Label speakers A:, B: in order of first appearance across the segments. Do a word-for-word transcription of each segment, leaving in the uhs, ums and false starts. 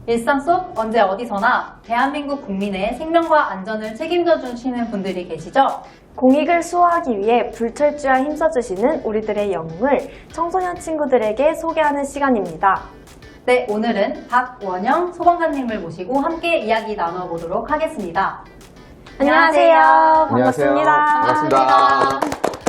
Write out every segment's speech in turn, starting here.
A: 일상 속 언제 어디서나 대한민국 국민의 생명과 안전을 책임져 주시는 분들이 계시죠?
B: 공익을 수호하기 위해 불철주야 힘써주시는 우리들의 영웅을 청소년 친구들에게 소개하는 시간입니다.
A: 네, 오늘은 박원영 소방관님을 모시고 함께 이야기 나눠보도록 하겠습니다.
B: 안녕하세요.
C: 안녕하세요.
B: 반갑습니다.
C: 반갑습니다.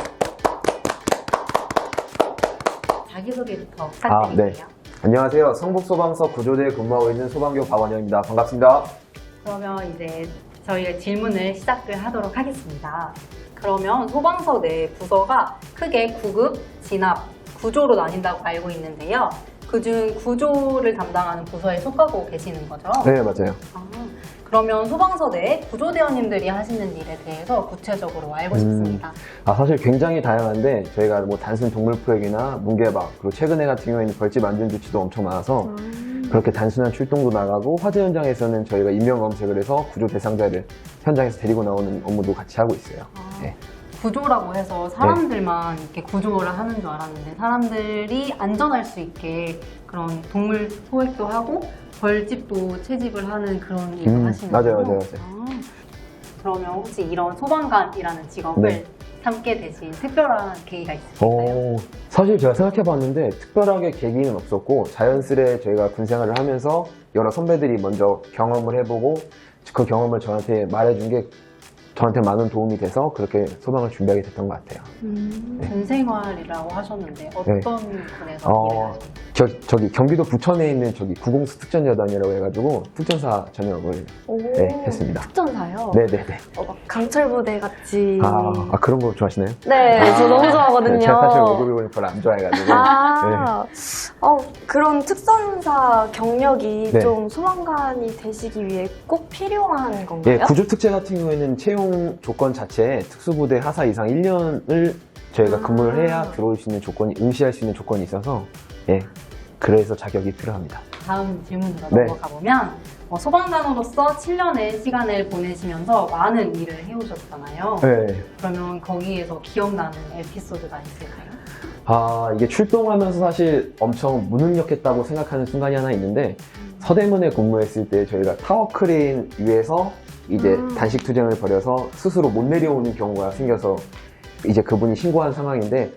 A: 자기소개부터
C: 아,
A: 부탁드릴게요.
C: 네. 안녕하세요. 성북소방서 구조대에 근무하고 있는 소방교 박원영입니다. 반갑습니다.
A: 그러면 이제 저희가 질문을 시작을 하도록 하겠습니다. 그러면 소방서 내 부서가 크게 구급, 진압, 구조로 나뉜다고 알고 있는데요. 그중 구조를 담당하는 부서에 속하고 계시는 거죠?
C: 네, 맞아요.
A: 아, 그러면 소방서 내 구조대원님들이 하시는 일에 대해서 구체적으로 알고
C: 음.
A: 싶습니다.
C: 아, 사실 굉장히 다양한데 저희가 뭐 단순 동물 포획이나 문개방, 그리고 최근에 같은 경우에는 벌집 안전 조치도 엄청 많아서
B: 음.
C: 그렇게 단순한 출동도 나가고 화재 현장에서는 저희가 인명 검색을 해서 구조 대상자를 현장에서 데리고 나오는 업무도 같이 하고 있어요.
A: 아,
C: 네.
A: 구조라고 해서 사람들만 이렇게 구조를 하는 줄 알았는데 사람들이 안전할 수 있게 그런 동물 소액도 하고 벌집도 채집을 하는 그런 일을
C: 음,
A: 하시는
C: 맞아요,
A: 거죠?
C: 맞아요, 맞아요.
A: 아, 그러면 혹시 이런 소방관이라는 직업을
C: 네.
A: 삼게 되신 특별한 계기가 있으실까요?
C: 어, 사실 제가 생각해봤는데 특별하게 계기는 없었고 자연스레 저희가 군 생활을 하면서 여러 선배들이 먼저 경험을 해보고 그 경험을 저한테 말해준 게 저한테 많은 도움이 돼서 그렇게 소방을 준비하게 됐던 것 같아요.
B: 음.
A: 군생활이라고 하셨는데 어떤
C: 네.
A: 군에서
C: 어,
A: 일을 하시나요?
C: 저, 저기 경기도 부천에 있는 저기 구공수 특전여단이라고 해가지고 특전사 전역을
B: 오,
C: 네, 했습니다.
B: 특전사요?
C: 네네네.
B: 어, 막 강철부대 같이.
C: 아, 아, 그런 거 좋아하시나요?
B: 네, 저 너무 좋아하거든요.
C: 제가 사실 월급을 별로 안 좋아해가지고.
B: 아, 어, 그런 특전사 경력이
C: 네.
B: 좀 소방관이 되시기 위해 꼭 필요한 건가요?
C: 예, 구조특채 같은 경우에는 채용 조건 자체에 특수부대 하사 이상 일 년을 저희가
B: 아.
C: 근무를 해야 들어올 수 있는 조건이, 응시할 수 있는 조건이 있어서, 예, 그래서 자격이 필요합니다.
A: 다음 질문으로
C: 네.
A: 넘어가 보면 어, 소방관으로서 칠 년의 시간을 보내시면서 많은 일을 해오셨잖아요.
C: 네.
A: 그러면 거기에서 기억나는 에피소드가 있을까요?
C: 아, 이게 출동하면서 사실 엄청 무능력했다고 생각하는 순간이 하나 있는데, 서대문에 근무했을 때 저희가 타워 크레인 위에서 이제
B: 음.
C: 단식 투쟁을 벌여서 스스로 못 내려오는 경우가 생겨서 이제 그분이 신고한 상황인데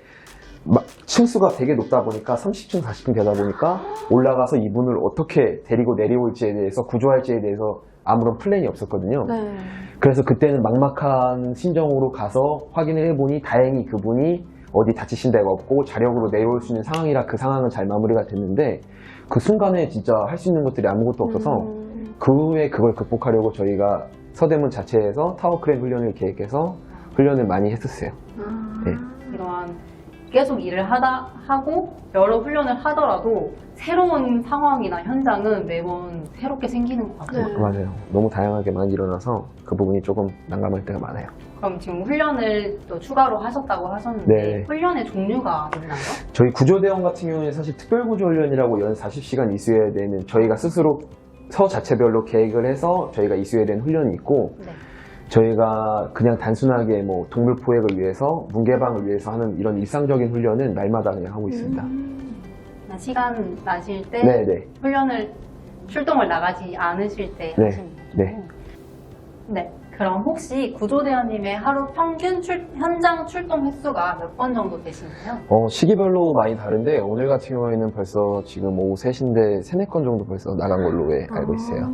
C: 막 층수가 되게 높다 보니까 삼십 층, 사십 층 되다 보니까 올라가서 이분을 어떻게 데리고 내려올지에 대해서 구조할지에 대해서 아무런 플랜이 없었거든요.
B: 네.
C: 그래서 그때는 막막한 심정으로 가서 확인을 해보니 다행히 그분이 어디 다치신 데가 없고 자력으로 내려올 수 있는 상황이라 그 상황은 잘 마무리가 됐는데 그 순간에 진짜 할 수 있는 것들이 아무것도 없어서
B: 음.
C: 그 후에 그걸 극복하려고 저희가 서대문 자체에서 타워 크레인 훈련을 계획해서 훈련을 많이 했었어요.
B: 아.
C: 네.
A: 이러한 계속 일을 하다 하고 여러 훈련을 하더라도 새로운 상황이나 현장은 매번 새롭게 생기는 것 같아요.
B: 네.
C: 맞아요. 너무 다양하게 많이 일어나서 그 부분이 조금 난감할 때가 많아요.
A: 그럼 지금 훈련을 또 추가로 하셨다고 하셨는데
C: 네.
A: 훈련의 종류가 있나요?
C: 저희 구조대원 같은 경우에는 사실 특별구조훈련이라고 연 사십 시간 이수해야 되는 저희가 스스로 서 자체별로 계획을 해서 저희가 이수해야 되는 훈련이 있고
A: 네.
C: 저희가 그냥 단순하게 뭐 동물 포획을 위해서 문개방을 위해서 하는 이런 일상적인 훈련은 날마다 그냥 하고 있습니다.
B: 음.
A: 시간 나실 때
C: 네네.
A: 훈련을 출동을 나가지 않으실 때
C: 네,
A: 하시는 거죠?
C: 네.
A: 네. 그럼 혹시 구조대원님의 하루 평균 출- 현장 출동 횟수가 몇 번 정도 되시나요?
C: 어, 시기별로 많이 다른데 오늘 같은 경우에는 벌써 지금 오후 세 시인데 세네 건 정도 벌써 나간 걸로 예, 알고 있어요.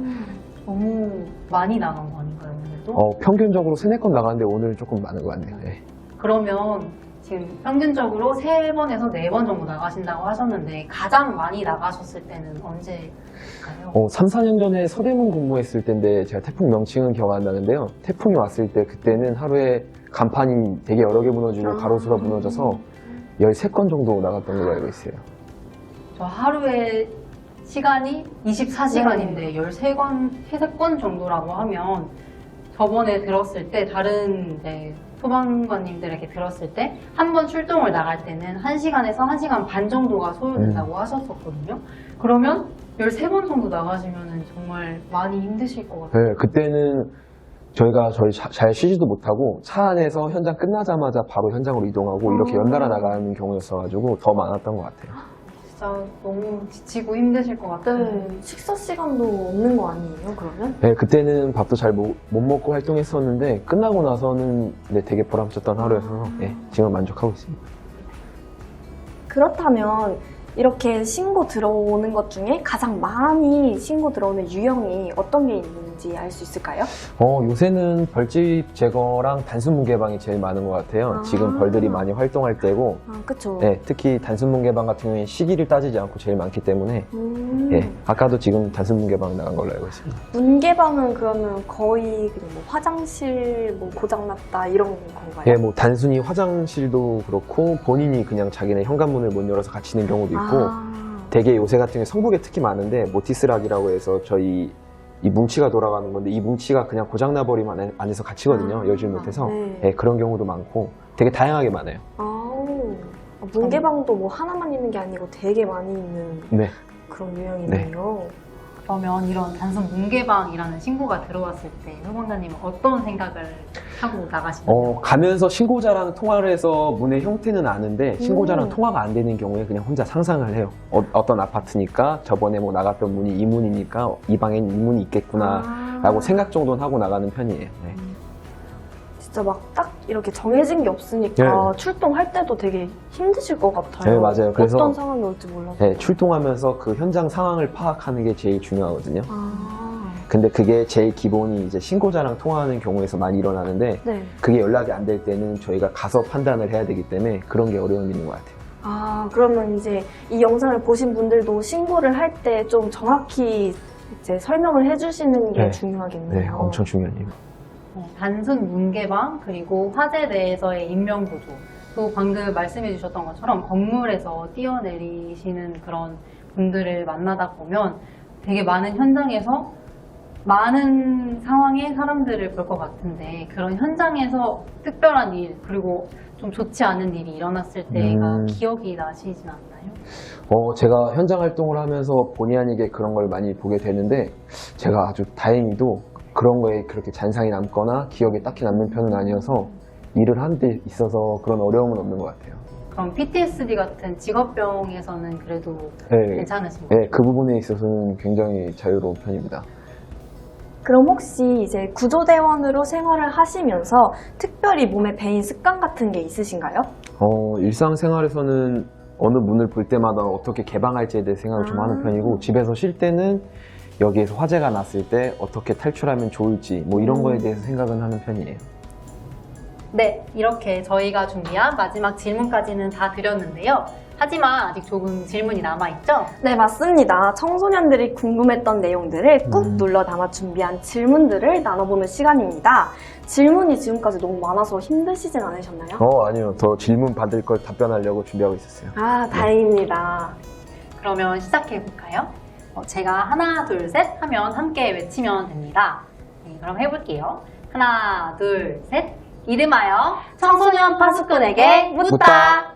A: 너무 많이 나간 거 아닌가요, 오늘도?
C: 어, 평균적으로 세네 건 나가는데 오늘 조금 많은 것 같네요. 예.
A: 그러면 지금 평균적으로 세 번에서 네 번 정도 나가신다고 하셨는데 가장 많이 나가셨을 때는 언제일까요?
C: 어, 삼, 사 년 전에 서대문 근무했을 때인데 제가 태풍 명칭은 기억 안 나는데요. 태풍이 왔을 때 그때는 하루에 간판이 되게 여러 개 무너지고 가로수가 무너져서 열세 건 정도 나갔던 걸로 알고 있어요.
A: 저 하루에 시간이 이십사 시간인데 열세 건, 열세 건 정도라고 하면 저번에 들었을 때 다른 이제 소방관님들에게 들었을 때 한 번 출동을 나갈 때는 한 시간에서 한 시간 반 정도가 소요된다고 하셨었거든요. 그러면 열세 번 정도 나가시면 정말 많이 힘드실 것 같아요.
C: 네, 그때는 저희가 저희 자- 잘 쉬지도 못하고 차 안에서 현장 끝나자마자 바로 현장으로 이동하고 이렇게
B: 아.
C: 연달아 나가는 경우였어가지고 더 많았던 것 같아요.
A: 진짜 너무 지치고 힘드실 것 같아요.
B: 네, 식사 시간도 없는 거 아니에요, 그러면?
C: 네, 그때는 밥도 잘 못 먹고 활동했었는데 끝나고 나서는 네, 되게 보람찼던 하루여서 네, 지금 만족하고 있습니다.
B: 그렇다면 이렇게 신고 들어오는 것 중에 가장 많이 신고 들어오는 유형이 어떤 게 있는지 알 수 있을까요?
C: 어, 요새는 벌집 제거랑 단순 문개방이 제일 많은 것 같아요.
B: 아.
C: 지금 벌들이 많이 활동할 때고
B: 아, 그쵸.
C: 네, 특히 단순 문개방 같은 경우에 시기를 따지지 않고 제일 많기 때문에
B: 음,
C: 예, 아까도 지금 단순 문개방 나간 걸로 알고 있습니다.
B: 문개방은 그러면 거의 그냥 뭐 화장실 뭐 고장났다 이런 건가요?
C: 예, 뭐 단순히 화장실도 그렇고 본인이 그냥 자기네 현관문을 못 열어서 갇히는 경우도 있고
B: 아,
C: 되게 요새 같은 경우에 성북에 특히 많은데 모티스락이라고 해서 저희 이 뭉치가 돌아가는 건데 이 뭉치가 그냥 고장나버리면 안에- 안에서 갇히거든요.
B: 아,
C: 열질 못해서
B: 네.
C: 예, 그런 경우도 많고 되게 다양하게 많아요.
B: 아우, 아, 문개방도 뭐 하나만 있는 게 아니고 되게 많이 있는
C: 네.
B: 그런 유형이네요.
A: 그러면 이런 단순 문개방이라는 신고가 들어왔을 때 소방관님은 어떤 생각을 하고 나가시나요?
C: 어, 가면서 신고자랑 통화를 해서 문의 형태는 아는데 신고자랑
B: 음.
C: 통화가 안 되는 경우에 그냥 혼자 상상을 해요. 어, 떤 아파트니까 저번에 뭐 나갔던 문이 이 문이니까 이 방엔 이 문이 있겠구나
B: 아.
C: 라고 생각 정도는 하고 나가는 편이에요. 네.
B: 진짜 막 딱 이렇게 정해진 게 없으니까
C: 네.
B: 출동할 때도 되게 힘드실 것 같아요.
C: 네, 맞아요. 그래서-
B: 어떤 상황이 올지 몰라서.
C: 네, 출동하면서 그 현장 상황을 파악하는 게 제일 중요하거든요.
B: 아,
C: 근데 그게 제일 기본이 이제 신고자랑 통화하는 경우에서 많이 일어나는데
B: 네.
C: 그게 연락이 안 될 때는 저희가 가서 판단을 해야 되기 때문에 그런 게 어려움이 있는 것 같아요.
B: 아, 그러면 이제 이 영상을 보신 분들도 신고를 할 때 좀 정확히 이제 설명을 해주시는 게
C: 네.
B: 중요하겠네요.
C: 네, 엄청 중요한 이유.
A: 어, 단순 문개방 그리고 화재 내에서의 인명구조 또 방금 말씀해 주셨던 것처럼 건물에서 뛰어내리시는 그런 분들을 만나다 보면 되게 많은 현장에서 많은 상황의 사람들을 볼 것 같은데 그런 현장에서 특별한 일 그리고 좀 좋지 않은 일이 일어났을 때가
C: 음.
A: 기억이 나시진 않나요?
C: 어, 제가 현장 활동을 하면서 본의 아니게 그런 걸 많이 보게 되는데 제가 아주 다행히도 그런 거에 그렇게 잔상이 남거나 기억에 딱히 남는 편은 아니어서 일을 하는 데 있어서 그런 어려움은 없는 것 같아요.
A: 그럼 피티에스디 같은 직업병에서는 그래도
C: 네,
A: 괜찮으신 가요?
C: 네, 그 부분에 있어서는 굉장히 자유로운 편입니다.
B: 그럼 혹시 이제 구조대원으로 생활을 하시면서 특별히 몸에 배인 습관 같은 게 있으신가요?
C: 어, 일상생활에서는 어느 문을 볼 때마다 어떻게 개방할지에 대해 생각을 좀
B: 아.
C: 하는 편이고 집에서 쉴 때는 여기에서 화재가 났을 때 어떻게 탈출하면 좋을지 뭐 이런
B: 음.
C: 거에 대해서 생각은 하는 편이에요.
A: 네, 이렇게 저희가 준비한 마지막 질문까지는 다 드렸는데요. 하지만 아직 조금 질문이 남아있죠?
B: 네, 맞습니다. 청소년들이 궁금했던 내용들을 꾹
C: 음.
B: 눌러 담아 준비한 질문들을 나눠보는 시간입니다. 질문이 지금까지 너무 많아서 힘드시진 않으셨나요?
C: 어, 아니요. 더 질문 받을 걸 답변하려고 준비하고 있었어요.
B: 아, 다행입니다.
A: 그러면 시작해볼까요? 어, 제가 하나, 둘, 셋 하면 함께 외치면 됩니다. 네, 그럼 해볼게요. 하나, 둘, 셋. 이름하여 청소년 파수꾼에게 묻다.
C: 묻다.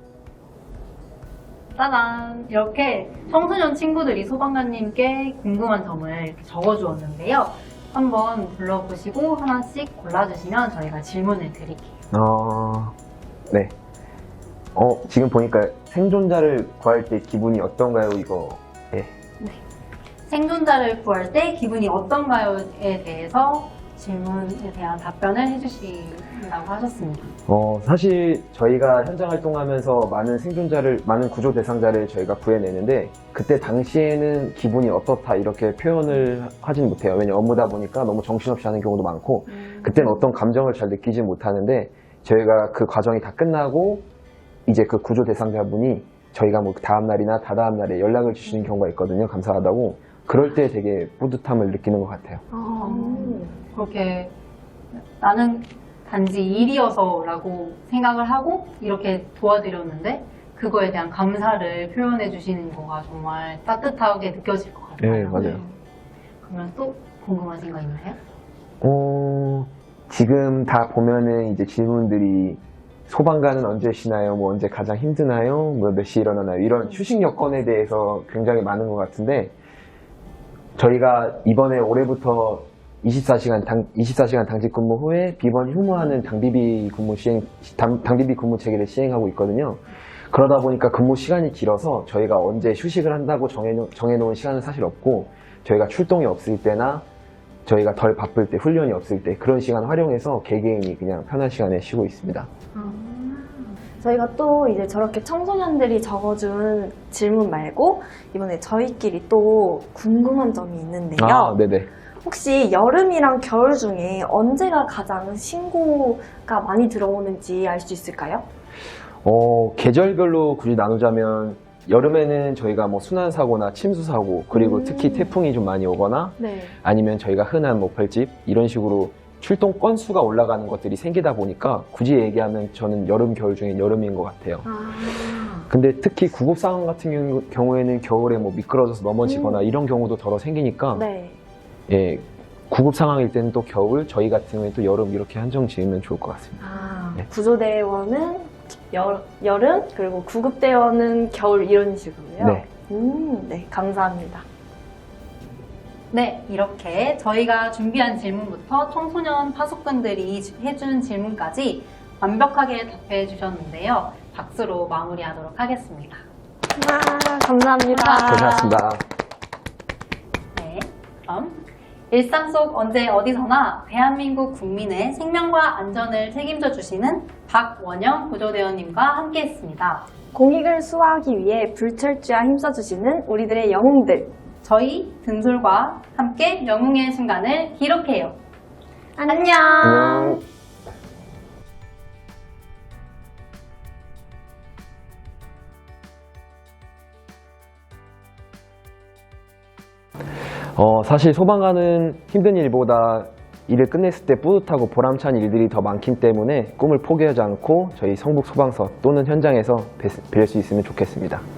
A: 짜잔! 이렇게 청소년 친구들이 소방관님께 궁금한 점을 이렇게 적어주었는데요. 한번 불러보시고 하나씩 골라주시면 저희가 질문을 드릴게요.
C: 어, 네. 어, 지금 보니까 생존자를 구할 때 기분이 어떤가요, 이거? 예.
A: 생존자를 구할 때 기분이 어떤가요에 대해서 질문에 대한 답변을 해주신다고 하셨습니다.
C: 어, 사실 저희가 현장 활동하면서 많은 생존자를, 많은 구조 대상자를 저희가 구해내는데 그때 당시에는 기분이 어떻다 이렇게 표현을 하진 못해요. 왜냐면 업무다 보니까 너무 정신없이 하는 경우도 많고 그때는 어떤 감정을 잘 느끼지 못하는데 저희가 그 과정이 다 끝나고 이제 그 구조 대상자분이 저희가 뭐 다음 날이나 다다음 날에 연락을 주시는 경우가 있거든요. 감사하다고. 그럴 때 되게 뿌듯함을 느끼는 것 같아요.
B: 아,
A: 그렇게 나는 단지 일이어서 라고 생각을 하고 이렇게 도와드렸는데 그거에 대한 감사를 표현해 주시는 거가 정말 따뜻하게 느껴질 것 같아요.
C: 네, 맞아요.
A: 그러면 또 궁금하신 거 있나요?
C: 어, 지금 다 보면은 이제 질문들이 소방관은 언제 쉬나요? 뭐 언제 가장 힘드나요? 뭐 몇 시에 일어나나요? 이런 휴식 여건에 대해서 굉장히 많은 것 같은데 저희가 이번에 올해부터 이십사 시간 당, 이십사 시간 당직 근무 후에 비번 휴무하는 당비비 근무 시행, 당, 당비비 근무 체계를 시행하고 있거든요. 그러다 보니까 근무 시간이 길어서 저희가 언제 휴식을 한다고 정해놓, 정해놓은 시간은 사실 없고 저희가 출동이 없을 때나 저희가 덜 바쁠 때, 훈련이 없을 때 그런 시간 활용해서 개개인이 그냥 편한 시간에 쉬고 있습니다.
B: 저희가 또 이제 저렇게 청소년들이 적어준 질문 말고 이번에 저희끼리 또 궁금한 점이 있는데요.
C: 아, 네네.
B: 혹시 여름이랑 겨울 중에 언제가 가장 신고가 많이 들어오는지 알 수 있을까요?
C: 어, 계절별로 굳이 나누자면 여름에는 저희가 뭐 순환사고나 침수사고 그리고
B: 음.
C: 특히 태풍이 좀 많이 오거나
B: 네.
C: 아니면 저희가 흔한 뭐 벌집 이런 식으로 출동 건수가 올라가는 것들이 생기다 보니까 굳이 얘기하면 저는 여름, 겨울 중에 여름인 것 같아요.
B: 아,
C: 근데 특히 구급 상황 같은 경우- 경우에는 겨울에 뭐 미끄러져서 넘어지거나 이런 경우도 더러 생기니까
B: 네.
C: 예, 구급 상황일 때는 또 겨울, 저희 같은 경우에는 또 여름 이렇게 한정 지으면 좋을 것 같습니다.
B: 아,
C: 네.
B: 구조대원은 여, 여름, 그리고 구급대원은 겨울 이런 식으로요?
C: 네.
B: 음, 네, 감사합니다.
A: 네, 이렇게 저희가 준비한 질문부터 청소년 파수꾼들이 해준 질문까지 완벽하게 답해 주셨는데요. 박수로 마무리하도록 하겠습니다.
B: 와, 감사합니다.
C: 고생하셨습니다.
A: 네, 그럼 일상 속 언제 어디서나 대한민국 국민의 생명과 안전을 책임져 주시는 박원영 구조대원님과 함께했습니다.
B: 공익을 수호하기 위해 불철주야 힘써주시는 우리들의 영웅들.
A: 저희 등솔과 함께 영웅의 순간을 기록해요.
B: 안녕.
C: 안녕. 어, 사실 소방관은 힘든 일보다 일을 끝냈을 때 뿌듯하고 보람찬 일들이 더 많기 때문에 꿈을 포기하지 않고 저희 성북 소방서 또는 현장에서 뵐 수 있으면 좋겠습니다.